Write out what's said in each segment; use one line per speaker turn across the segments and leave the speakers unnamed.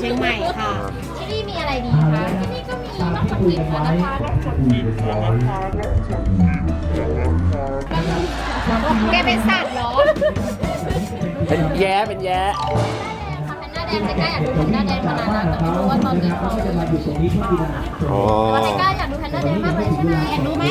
เชียงใหม่ค่ะ
ที่นี่มีอะไรดีคะที่นี่ก็มีมะขามหยิบนะคะแกเป็นสัตว์เหรอ
เป็นแย้เป็นแย้
แพนด้าแดงไทก้าอยากดูแพนด้าแดงมานานแล้วแต่ไม่รู้ว่าตอนนี้เขา
อ๋อ
ไทก้าอยากดูแพนด้าแดงมากเลยใช่ไหมอยากดูไหม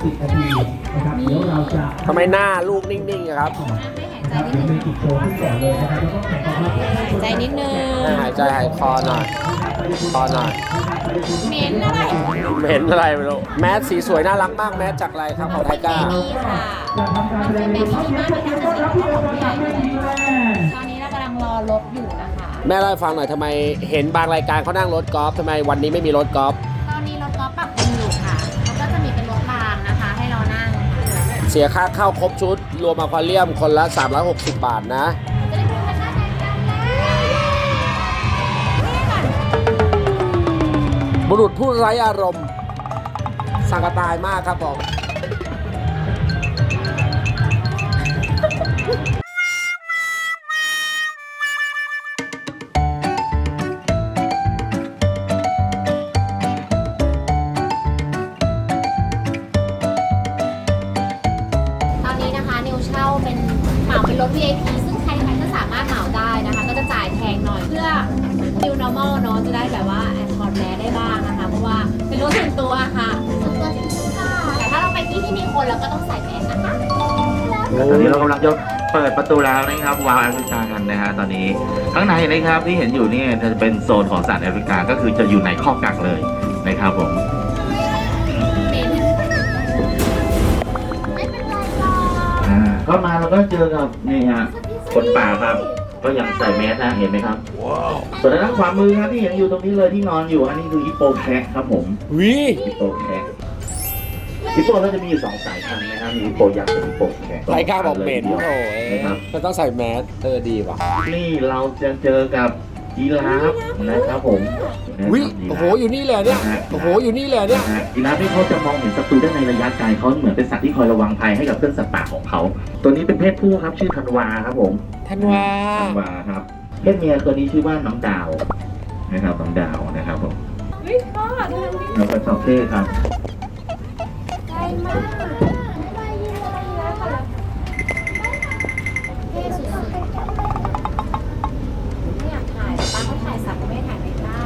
ทำไมหน้าลูกนิ่งๆอะครับ
ใจนิดนึง
หายใจหายคอหน่อยคอหน่อย
เหม็นอะไร
ไม่เห็นอะไรไม่รู้แมสสีสวยน่ารักมากแมสจากอะไรครับของไทก้า
นี่ค่ะมันเป็นเบบี้มากเลยนะคะสีของผู้ใหญ่เลยตอนนี้เรากำลังรอรถอยู่นะคะ
แม่เล่าให้ฟังหน่อยทำไมเห็นบางรายการเขานั่งรถกอล์ฟทำไมวันนี้ไม่มีรถกอล์ฟ
ตอนนี้รถกอล์ฟปรับปรุงอยู่ค่ะเขาก็จะมีเป็นรถรางนะคะ ให้เรานั่ง
เสียค่าเข้าครบชุด รวมอควาเรียมคนละ 360 บาทนะ
จะได้ดูแพนด้าแดงกันแล้ว
บุรุษผู้ไร้อารมณ์สังกตายมากครับผม
ตอนนี้นะคะนิวเช่าเป็นเหมาเป็นรถ VIP ซึ่งใครๆก็สามารถเหมาได้นะคะ ก็จะจ่ายแพงหน่อยเพื่อ New Normal เนาะจะได้แบบว่าถอดแมสได้บ้างนะคะ เพราะว่าเป็นรถส่วนตัวค่ะส่วนตัวจริงๆค่ะแต่ถ้าเราไปที่มีคนเราก็ต้องใส่แมสนะคะ
ตอนนี้เรากำลังจะเปิดประตูแล้วนะครับวาวแอฟริกากันนะฮะตอนนี้ข้างในนะครับที่เห็นอยู่นี่จะเป็นโซนของสัตว์แอฟริกาก็คือจะอยู่ในคอกกักเลยนะครับผม
ไม่เป็นไรหรอก
เข้ามาเราก็เจอกับนี่ฮะคนป่าครับ ก็ยังใส่แมสนะเห็นไหมครับส่วนด้านขวามือครับที่เห็นอยู่ตรงนี้เลยที่นอนอยู่อันนี้คือฮิปโปแคระครับผม
วิ
ฮิปโปแคระฮิปโปก็จะมีอยู่2 สายพันธุ์นะครับมีฮิปโปยักษ์กับฮิปโปแคระ
ไทก้าบอกเหม็น
ดียว
โอ้ย
นะครับ
มันต้องใส่แมสดีว่ะ
นี่เราจะเจอกับยีราฟนะครับผม
วิโอ้โหอยู่นี่เลยเนี่ยโอ้โหอยู่นี่เลยเนี่ย
ยีราฟที่เขาจะมองเห็นศัตรูได้ในระยะไกลเขาเหมือนเป็นสัตว์ที่คอยระวังภัยให้กับเพื่อนสัตว์ป่าของเขา ตัวนี้เป็นเพศผู้ครับชื่อธันวาครับผม
ธันวา
ธันวาครับเพศเมียตัวนี้ชื่อว่าน้องดาวนะครับน้องดาวนะครับผม
วิพ่อดูทำดิ
แล้วก็ชอบเท่ครับ
ไกลมากไม่ได้ยินอะไรแล้วค่ะเท่สุดๆไม่อยากถ่ายป้าเขาถ่ายสัตว์ไม่ได้ถ่ายไม่กล้า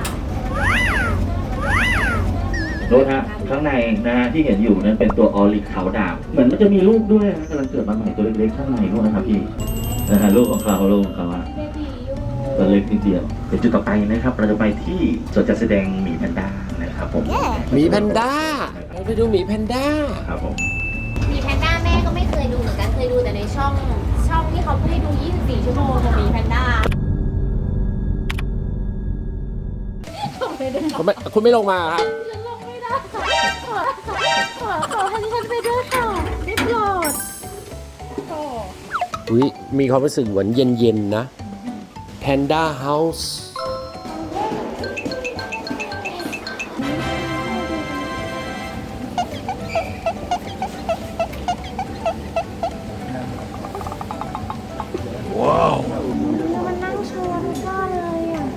โน้ตฮะข้างในนะฮะที่เห็นอยู่นั้นเป็นตัวออริกขาวดาบเหมือนมันจะมีลูกด้วยนะกำลังเกิดมาใหม่ตัวเล็กๆข้างในนู่นนะครับพี่นะฮะลูกของเขาอะ
เบบีอยู่
ตัวเล็กนิดเดียวเดี๋ยวจุดต่อไปนะครับ เราจะไปที่สวนจัดแสดงหมีแพนด้านะครับผม
หมีแพนด้าเราไปดูหมีแพนด้า
ครับผม
มีแพนด้าแม่ก็ไม่เคยดูเหมือนกันเคยดูแต่ในช่องที่เขาให้ดู 24 ชั่วโมงของมีแพนด้า
คุณไม่ลงมาครับ
ลงไม่ได้ขอให้ฉันไปด้วยค่ะได้โปรด
อุ้ยมีความรู้สึกเหมือนเย็นๆนะ Panda House
มันนั่งโชว์ทุกท่าเลยอ่ะ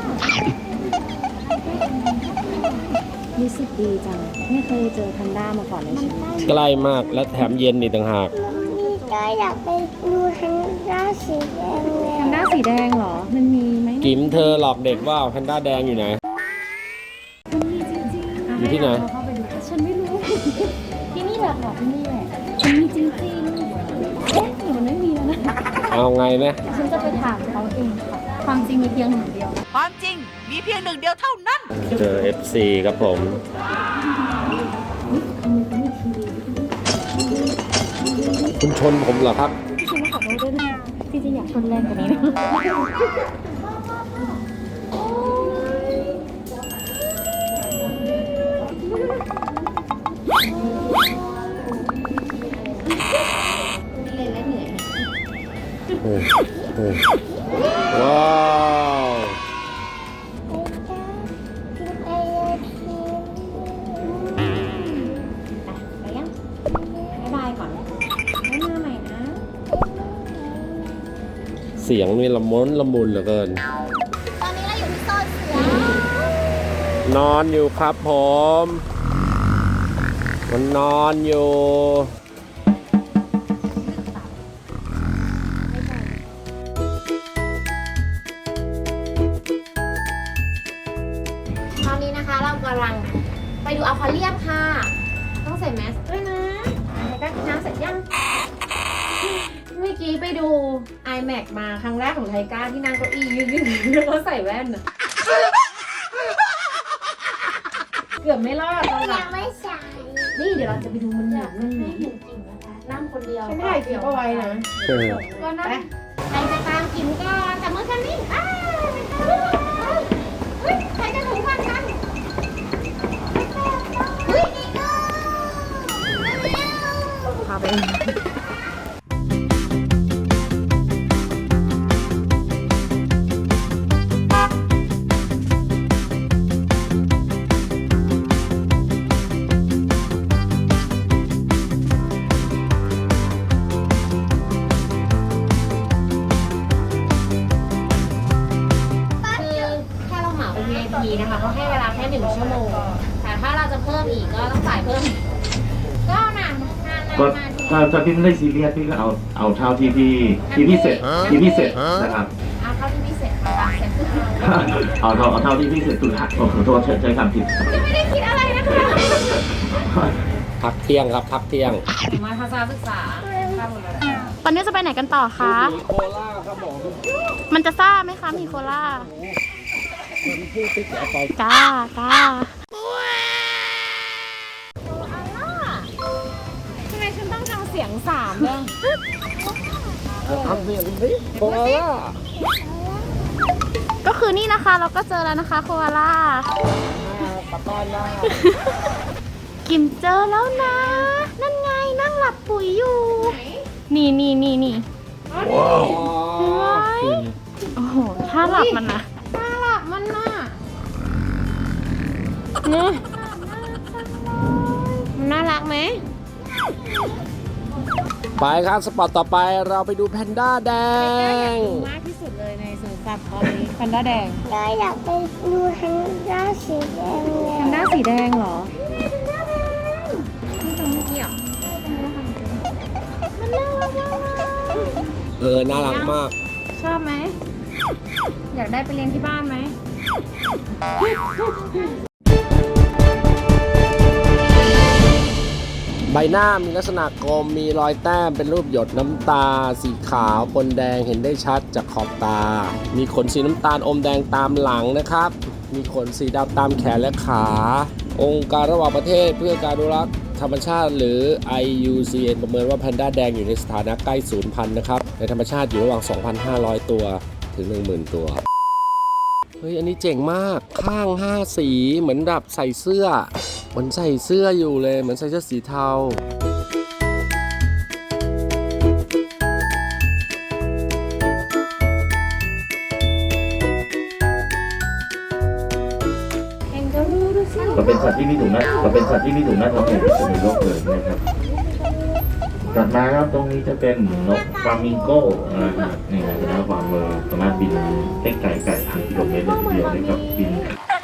รู้สึกดีจังไม่เคยเจอแพนด้ามาก่อนในชีวิต
ใกล้มากและแถมเย็นอีกต่างหาก
นี่ก็อยากไปดูแพนด้าสีแดงเลย
แพนด้าสีแดงเหรอ มันมีไหม
กิมเธอหลอกเด็กว่าแพนด้าแดงอยู่ไหน
มันมีจริงๆ
อยู่ที่ไหน
เข้าไปดูฉันไม่รู้ ที่นี่แหละค่ะที่นี่แหละมันมีจริงๆเอ๊ะหรือมันไม่มีแล้วนะ
เอาไงนะ
ฉันจะไปถามเขาเองค่ะ ความจริงมีเพียงหนึ่งเดียว
ความจริงมีเพียงหนึ่งเดียวเท่านั้น
เจอ FC ครับผม คุณชนผมเหรอครับ
พี่ชินขอโทษด้วยนะพี่จะอยากชนแรงกว่านี้นะ
ว้าว
ไปยังบ๊ายบายก่อนไม่มาใหม่นะ
เสียงนี่ละมุนละมุนเหลือเกิน
ตอนนี้เราอยู่ที่โซน
นอนอยู่ครับผมมันนอนอยู่
ตอนนี้นะคะเรากำลังไปดูอควาเรียมค่ะ ต้องใส่แมสด้วยนะแล้วก็กินน้ำเสร็จยัง เมื่อกี้ไปดู iMac มาครั้งแรกของไทก้าที่นั่งเก้าอี้ยืนๆแล้วก็ใส่แว่นอะเกือบไม่รอดตอนหลั
ยัง งไม่ใส่
นี่เดี๋ยวเราจะไปดูมันหนักนั่งไหนนั่งคนเดียวฉันถ่ายคลิปเอาไว้นะก็นั่งใครจะตามกินก่อนแต่มือกันนิ่งใครจะถูกกันกันพาไปนะคะเขาให้เวลาแค่1 ชั่วโมงแต่ถ้าเราจะเพิ่มอีกก็ต้องจ่ายเพิ่มก็นาน
ก็
มาที
ถ้าพี่ไม่ได้ซีเรียสพี่ก็เอาเท่าที่พี่เสร็จนะครับ
เอาเท่าที่พิเศษมาตามเซ็ต
เอาเท่าที่พี่เสร็จคือขอโทษใช้คำผิด
จะไม่ได้คิดอะไรนะคะ
พักเที่ยงครับพักเที่ยง
มาทัศนศึกษา
ตอนนี้จะไปไหนกันต่อคะ
มีโคล่าครับผม
มันจะซ่าไหมคะมีโคล่า
คนพูดติ๊กแกไป
กล้ากล้า
ทำไมฉันต้องทำเสียง3ด้วย
ทำเสียงดิโคล่า
ก็คือนี่นะคะเราก็เจอแล้วนะคะโคอาล่า
ปะต้อนล่า
กิมเจอแล้วนะ นั่นไงนั่งหลับปุ๋ยอยู่ นี่เห็นไหมโอ้โหถ้าหลับมันนะ
น่ารักมันน่ะ
เนี่ย
มันน่ารักไหม
ไปครับสปอตต่อไปเราไปดูแพนด้าแดง
มากที่สุดเลยในสวนสัตว์ตอนนี้แพนด้าแดง
ก็อยากไปดูแพนด้าสีแดงเลย
แพนด้าสีแดงเหรอนี่ตรงเมื่อกี้อ่ะ
น่ารักมาก
ชอบไหม อยากได้ไปเลี้ยงที่บ้านไหม
ใบหน้ามีลักษณะกลมมีรอยแต้มเป็นรูปหยดน้ำตา สีขาวปนแดงเห็นได้ชัดจากขอบตา มีขนสีน้ำตาลอมแดงตามหลังนะครับ มีขนสีดำตามแขนและขา องค์การระหว่างประเทศเพื่อการอนุรักษ์ธรรมชาติหรือ IUCN ประเมินว่าแพนด้าแดงอยู่ในสถานะใกล้สูญพันธุ์นะครับในธรรมชาติอยู่ระหว่าง 2,500 ตัวถึง 10,000 ตัว เฮ้ยอันนี้เจ๋งมากข้าง5สีเหมือนแบบใส่เสื้อเหมือนใส่เสื้ออยู่เลยเหมือนใส่เสื้อสีเทา
ก็เป็นสัตว์ที่มีถุงหน้าท้องใหญ่ที่สุดในโลกเลยนะครับถัดมาครับตรงนี้จะเป็นนกฟลามิงโก้นะครับนี่นะความเร็วสามารถบินได้ไกล1,000 กิโลเมตรเลยทีเดียวนะครับบิน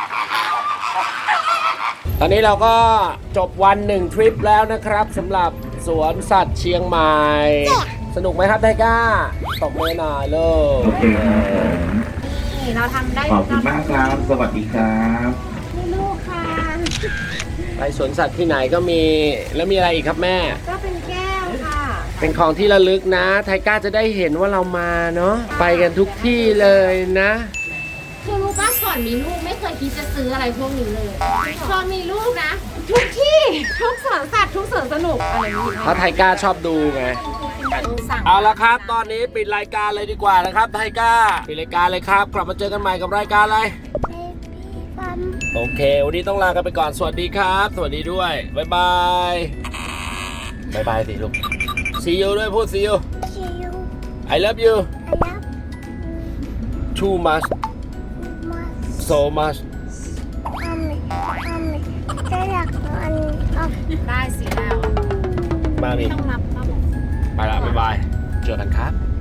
ตอนนี้เราก็จบวัน1ทริปแล้วนะครับสำหรับสวนสัตว์เชียงใหม่ สนุกไหมครับไทก้าตบมือหน่อยเลย
โอเคครับผม
นี่เราทำได้
ขอบคุณมากครับ สวัสดีครับ
นี่ลูกค่ะ
ไปสวนสัตว์ที่ไหนก็มีแล้วมีอะไรอีกครับแม่
ก็เป็นแก้วค่ะ
เป็นของที่ระลึกนะไทก้าจะได้เห็นว่าเรามาเนาะไปกันทุกที่เลยนะ
คือรู้ป่ะก่อนมีลูกไม่เคยคิดจะซื้ออะไรพวกนี้เลยพอมีลูกนะ ทุกที่ทุกสวนสัตว์ทุกสวนสนุกอะไรนี้
เพราะไทก้าชอบดูไง
สั่ง
เอาละครับ ตอนนี้ปิดรายการเลยดีกว่านะครับไทก้าปิดรายการเลยครับ กลับมาเจอกันใหม่กับรายการอะไร
ปั๊ม
โอเค วันนี้ต้องลากันไปก่อน สวัสดีครับ สวัสดีด้วย บ๊ายบาย บ๊ายบายสิลูก see you ด้วยพูด see you
ชิว
I love you
รับ
too much
มา
so much
ทำจะอยากอันออก
ได้สิแล้ว
มาดิ
ต้องรับป้าบอก
ไปละบ๊ายบาย เจอกันครับ